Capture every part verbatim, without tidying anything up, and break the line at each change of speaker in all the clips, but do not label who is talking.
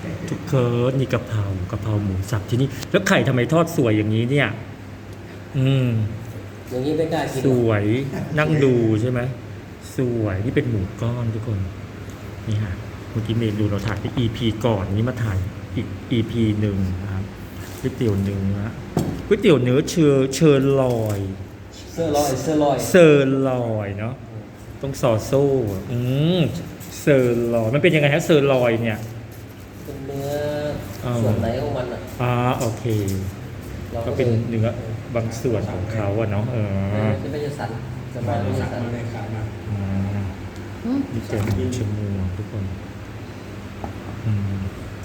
ทุกเคิร์ดนี่กะเพรากะเพราหมูสับที่นี่แล้วไข่ทำไมทอดสวยอย่างนี้เนี่ย อืม
อย่างนี้ไม่กล้ากิน
สวยนั่งดูใช่ไหมสวยนี่เป็นหมูก้อนทุกคนนี่ฮะเมื่อกี้เมนูเราถ่ายไป อี พี ก่อนนี้มาถ่ายอีก อี พี หนึ่งนะครับก๋วยเตี๋ยวเนื้อก๋วยเตี๋ยวเนื้อเชอเชอร์ลอย
เสื้อลอยเสื้อลอย
เซอร์ลอยเนาะต้องซอโซ่อืมเซอร์ลอยมันเป็นยังไงฮะเซอร์ลอยเนี่ย
เป็นเนื้อ
อ๋อ
ส่วนไหนของมันอ่ะ
อ่าโอเค
รา
ก็เป็นเนื้อบางส่วนของเขาอะเนาะเออ
จะไม่ใช่สันจะ
มา
ไม่
เลย
ใช่
สั่ง
สัน
มาเลยขามา
อ่า
อืม
นี่เจอหมูชะมวงทุกคนอืม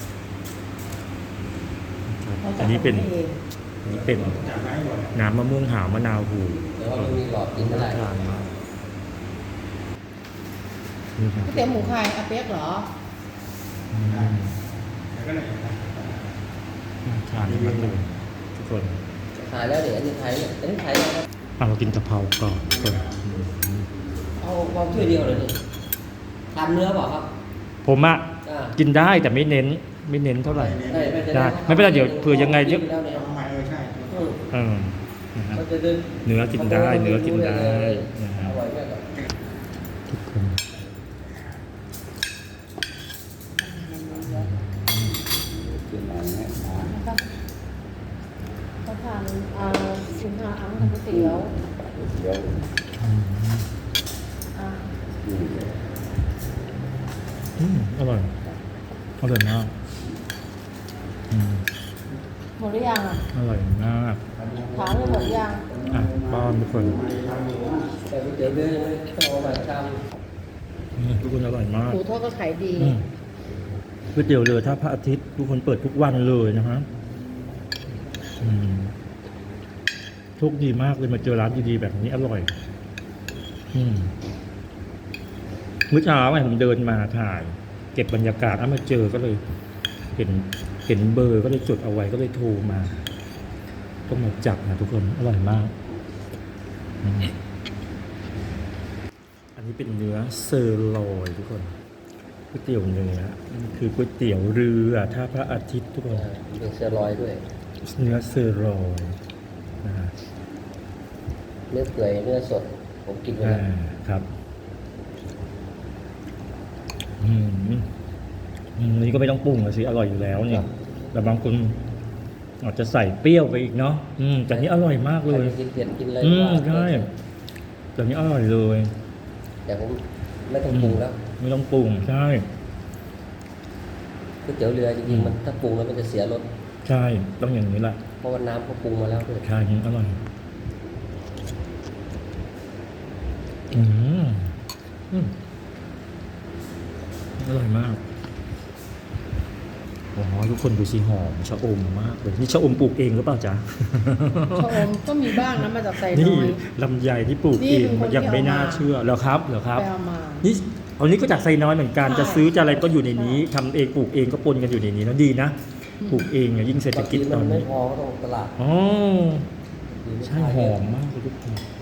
ครับ
เราจะ
อันนี้เป็น
ทำให้อง
อันนี้เป็น
จากไม้ก่อน
น้ำมะม่วงหาวมะนาวหู
แต่ว่ามันมีหลอดกินไม่
น่า
ได้
ทานมากนี่ครับ
ก๋วยเตี๋ยวหมูใครอาเปี๊ยกเหรอ
อืม
แล้วก็ไหนนะ
น่าทานมากเลยทุกคน
ถ่ายแล้วเดี๋ยวอันนี้ถ่ายเนี่ยอันนี้ถ่ายแล้วครับ
เอามากินกะเพราก่อนทุกคนอืม
เอาเอาถ้วยเดียวเลยนี่ทานเนื้อเปล่าครับ
ผมอะ
อ่า
กินได้แต่ไม่เน้น ไม่เน้นเท่าไหร่
ได้ไม่เป็น
ได้
ไร
ไม่เป็นไรเดี๋ยวเผื่อยังไงเดี๋ยว
แล้วเนี่ย
ทำไมเออใช่
อืม
เออนะฮะ
เขาจะเดิน
เนื้อกินได้เนื้อกินได้นะฮะ
อร่อยมากครับ
ทุกคน
กินอะไรเนี่ยนะ
นะครับเขาทานอ่าคุณหาอังกับก๋วยเตี๋ยว
เดี๋ยว
อืม
อ่า
อืม
อืมอร่อยอร่อยมากอืม
หมดหรือยังอ่ะ
อร่อยมาก
ถามเลยหมดหรือยัง
อ่ะป้อนทุกคน
แต่ก๋วยเตี๋ยวเนื้อต้องเอามาท
อืมทุกคนอร่อยมาก
หมูทอดก็ขายดี
อืมก๋วยเตี๋ยวเรือถ้าพระอาทิตย์ทุกคนเปิดทุกวันเลยนะฮะอืมโชคดีมากเลยมาเจอร้านดีๆแบบนี้อร่อย อืมเมื่อเช้าไงผมเดินมาถ่าย เก็บบรรยากาศแล้วมาเจอก็เลย เห็นเห็นเบอร์ก็เลยจดเอาไว้ก็เลยโทรมาก็มาจับนะทุกคนอร่อยมากอืมอันนี้เป็นเนื้อเซอร์ลอยทุกคนก๋วยเตี๋ยวเนื้อนี่คือก๋วยเตี๋ยวเรือท่าพระอาทิตย์ทุกคน
ำมีเสื้อลอยด้วย
เนื้อเซอร์ลอยนะฮะ
เนื้อเปื่อยเนื้อสด ผมกินไป
อ่า
แล้ว
ครับ อืมอืมนี่ก็ไม่ต้องปรุงเลยสิอร่อยอยู่แล้วเนี่ยแต่บางคนอาจจะใส่เปรี้ยวไปอีกเนาะอืมแต่นี้อร่อยมาก
ใค
เล
ร
ย
จะกินเผ็ดกินอะไร
อืม
ว่า
ใช่แต่นี้อร่อยเลย
แต่ผมไม่ต้องปรุงแล้ว
ไม่ต้องปรุงใช่
ก๋วยเตี๋ยวเรือจ
อื
ริง
ม
ๆมันถ้าปรุงแล้วมันจะเสียรส
ใช่ต้องอย่างนี้แหละ
เพราะว่าน้ำเขาปรุงมาแล้วด้วย
ใช่อร่อยอืมอืมอร่อยมากโอ้โหทุกคนดูสิหอมชะอมมากเลยนี่ชะอมปลูกเองหรือเปล่าจ๊ะ
ชะอมก็มีบ้างนะมาจากไซ
นี่
น้อย
ลำไยที่ปลูก
นี่
เอง
เป็นคน
มันยัง
ที่
ไม่
เอามา
น่าเชื่อแล้วครับเหรอครับ
ไปเอามา
นี่เอานี้ก็จากไซน้อยเหมือนกัน
ใช่
จะซื้อจะอะไรก็อยู่ในนี้ทำเองปลูกเองก็ปนกันอยู่ในนี้นะดีนะปลูกเองเนี่ยยิ่งเศรษฐ
บาง
กิ
ที
จต
มั
อน
นไม่
นี้
พอก็ต้องตลาด
อ๋อ
ดีไม่
ใช่
ขาย
ห
เลย
อมมากเลยทุกคน